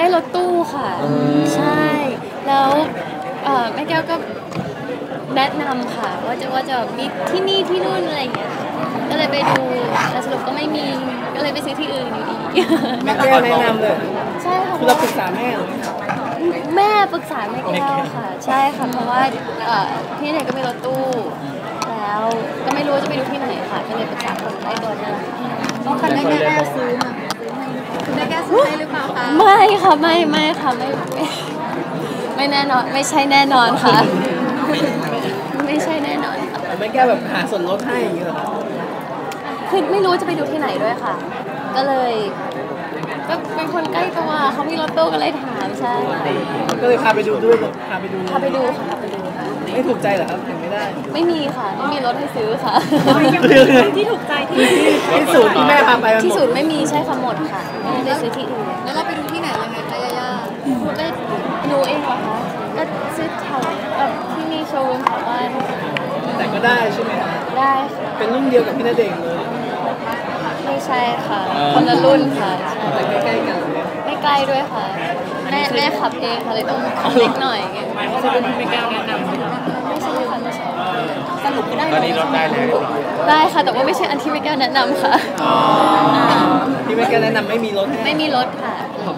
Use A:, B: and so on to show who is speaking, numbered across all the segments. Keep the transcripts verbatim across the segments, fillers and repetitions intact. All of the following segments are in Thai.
A: ได้รถตู้ค่ะใช่แล้วแม่แก้วก็แนะนำค่ะว่าจะว่าจะมีที่นี่ที่นู่นอะไรอย่างเงี้ยก็เลยไปดูแต่สรุปก็ไม่มีก็เลยไปซื้อที่อื่นอยู่ดี
B: แม่แก้วแนะนำเลย
A: ใช่ค่ะ
B: คือเราปรึกษาแม่หรอ
A: แม่ปรึกษาแม่แก้วค่ะใช่ค่ะเพราะว่าที่ไหนก็มีรถตู้แล้วก็ไม่รู้จะไปดูที่ไหนค่ะก็เลยปรึกษาคนใกล้ตัวนั่นแหละ
C: ต้องคันได้แก้วซื้อมาคุณได้แก้วซื้อให้หรือเปล่าคะ
A: ไม่ค่ะไม่ไม่ค่ะไม่ไม่แน่นอนไม่ใช่แน่นอนค่ะไม่ใช่แน่นอน
B: ค่ะแม่แก้วแบบหาส่วนลดให้อย่างเงี้ยหรอ
A: คือไม่รู้จะไปดูที่ไหนด้วยค่ะก็เลยก็เป็นคนใกล้ตัวเขามีรถตู้ก็เลยถามใช่
B: ก็เลยพาไปดูด้วยพาไปดู
A: พาไปดูค่ะพาไปดู
B: ไม่ถูกใจเหรอครับถึงไม่ได้
A: ไม่มีค่ะไม่มีรถให้ซื้อค่ะ
C: ที่ถูกใจที่
B: ที่ศูนย์ที่แม่พาไป
A: ที่ศูนย์ไม่มีใช่ค่ะหมดค่ะไม่ได้ซื้อที่อื่น
C: แล้วเราไปดูที่ไหนยังไงคะย่าย่า
A: ก็ดูเองเหรอคะก็ซื้อแถวที่มีโชว์รูมแถวบ้าน
B: แต่ก็ได้ใช่ไหม
A: ได้ค่ะ
B: เป็นรุ่นเดียวกับพี่ณเดชน์เลย
A: ไม่ใช่ค่ะคนละรุ่นค่ะ
B: แต่ใกล้ๆกัน
A: ไม่ใกล้ด้วยค่ะแม่แม่ขับเองค่ะเลยต้องเล็กหน่อย
B: ไม่ใช่เป็นที่ไม่แก้วแนะนำ
A: ไม่ใช่ค่ะไม่ใช่
C: สรุปก็ได้
B: ตอนนี้รถได้เลย
A: ได้ค่ะแต่ว่าไม่ใช่อันที่แม่แก้วแนะนำค่ะ
B: ที่แม่แก้วแนะนำไม่มีรถ
A: ไม่มีรถค่ะ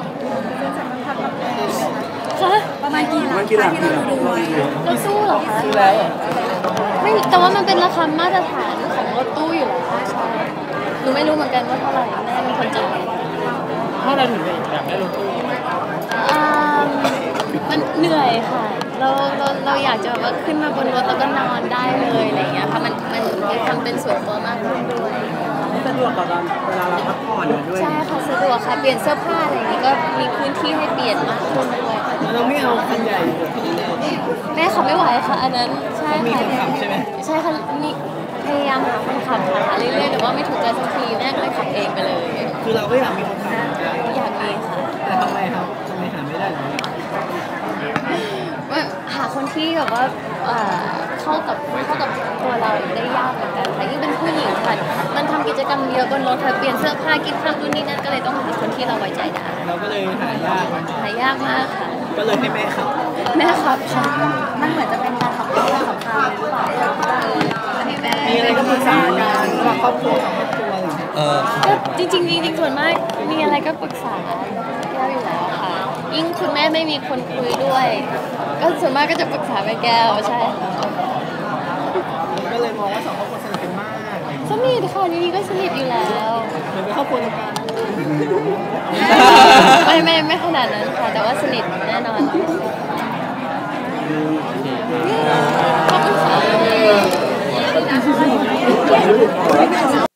C: ประมาณกี่ล้านที่เราดูไว้
A: รถตู้เหรอคะ
B: ซื้อแล้ว
A: ไม่แต่ว่ามันเป็นราคามาตรฐานของรถตู้อยู่แล้วใช่หนูไม่รู้เหมือนกันว่าเท่าไหร่แม่มีคนจ่าย
B: เท่าไหร่ถึงอยากได้รถตู้
A: มันเหนื่อยค่ะเราเราเราอยากจะว่าขึ้นมาบนรถแล้วก็นอนได้เลยอะไรอย่างเงี้ยค่ะมันมันมีความเป็นส่วนตัวมากขึ้นด้วย
B: สะดวกต่อการเวลาเราพักผ่อนด้วย
A: ใช่ค่ะสะดวกค่ะเปลี่ยนเสื้อผ้าอะไรอย่างงี้ก็มีพื้นที่ให้เปลี่ยนมากขึ้นด้วย
B: เราไม่เอาคันใหญ่
A: แม่ขับไม่ไหวค่ะอันนั้นใช่
B: ค่ะมีคนขับ
A: ใช่
B: ไหม
A: ใช่ค่ะมีพยายามหาคนขับค่ะหาเรื่อยๆแต่ว่าไม่ถูกใจสักทีแม่ก็เลยขับเองไปเลย
B: คือเราก็อยากมีคนขับ
A: อยากมีค่ะ
B: แต่ทำไมครับทำไมหาไม่ได้หรอ
A: ว่าหาคนที่แบบว่าเข้ากับเข้ากับตัวเราได้ยากเหมือนกันค่ะยิ่งเป็นผู้หญิงค่ะมันทำกิจกรรมเยอะบนรถค่ะเปลี่ยนเสื้อผ้ากินข้าวนู่นนี่นั่นก็เลยต้องหาคนที่เราไว้ใจได้
B: เราก็เลยหายาก
A: หายากมากค่ะ
B: ก็เลยให้แม่ขับ
A: แม่ขับค่ะ
C: มันเหมือนจะเป็นการขับรถที่สำคัญหรือเปล่า
B: มีอะไรก็ปรึกษากันระหว่างครอบครัวสองครอบครัว
A: เออจริงจริงจริงส่วนมากมีอะไรก็ปรึกษาแก้วอยู่แล้วค่ะยิ่งคุณแม่ไม่มีคนคุยด้วยก็ส่วนมากก็จะปรึกษาแม่แก้วใช่
B: ก็เลยมองว่าสองครอบครัวสนิทกันมาก
A: สนิทค่ะนี่ก็สนิทอยู่แล้ว
B: เหมือนเป็นครอบครัวเดียวกัน
A: ไม่ไม่ไม่ขนาดนั้นค่ะแต่ว่าสนิทแน่นอนขอบคุณค่ะ